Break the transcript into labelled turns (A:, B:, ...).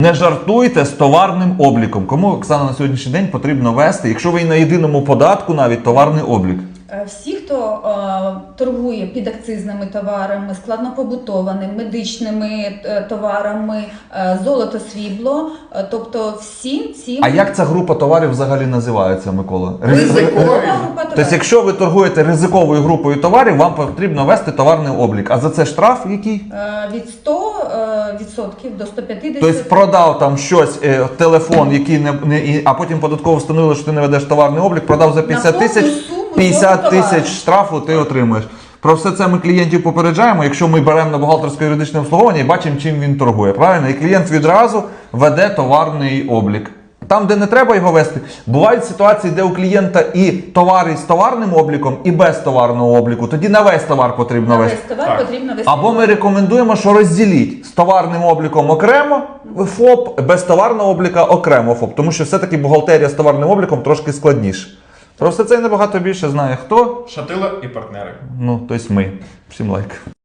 A: Не жартуйте з товарним обліком. Кому, Оксана, на сьогоднішній день потрібно вести, якщо ви на єдиному податку навіть, товарний облік?
B: Всі, хто торгує підакцизними товарами, складнопобутованими, медичними товарами, золото, срібло, тобто всім цим...
A: А як ця група товарів взагалі називається, Микола?
B: Ризикова група товарів.
A: Тобто, якщо ви торгуєте ризиковою групою товарів, вам потрібно вести товарний облік. А за це штраф який?
B: Від 100% до 150%.
A: Тобто продав там щось, телефон, який а потім податково встановили, що ти не ведеш товарний облік, продав за 50 тисяч, 50 тисяч штрафу ти отримуєш. Про все це ми клієнтів попереджаємо, якщо ми беремо на бухгалтерсько-юридичне обслуговування і бачимо, чим він торгує. Правильно? І клієнт відразу веде товарний облік. Там, де не треба його вести, бувають ситуації, де у клієнта і товари з товарним обліком, і без товарного обліку. Тоді на весь товар потрібно вести.
B: На весь товар потрібно вести.
A: Або ми рекомендуємо, що розділіть з товарним обліком окремо ФОП, без товарного обліка окремо ФОП. Тому що все-таки бухгалтерія з товарним обліком трошки складніше. Про все це і набагато більше знає хто.
C: Шатило і партнери.
A: Ну, тобто ми. Всім лайк.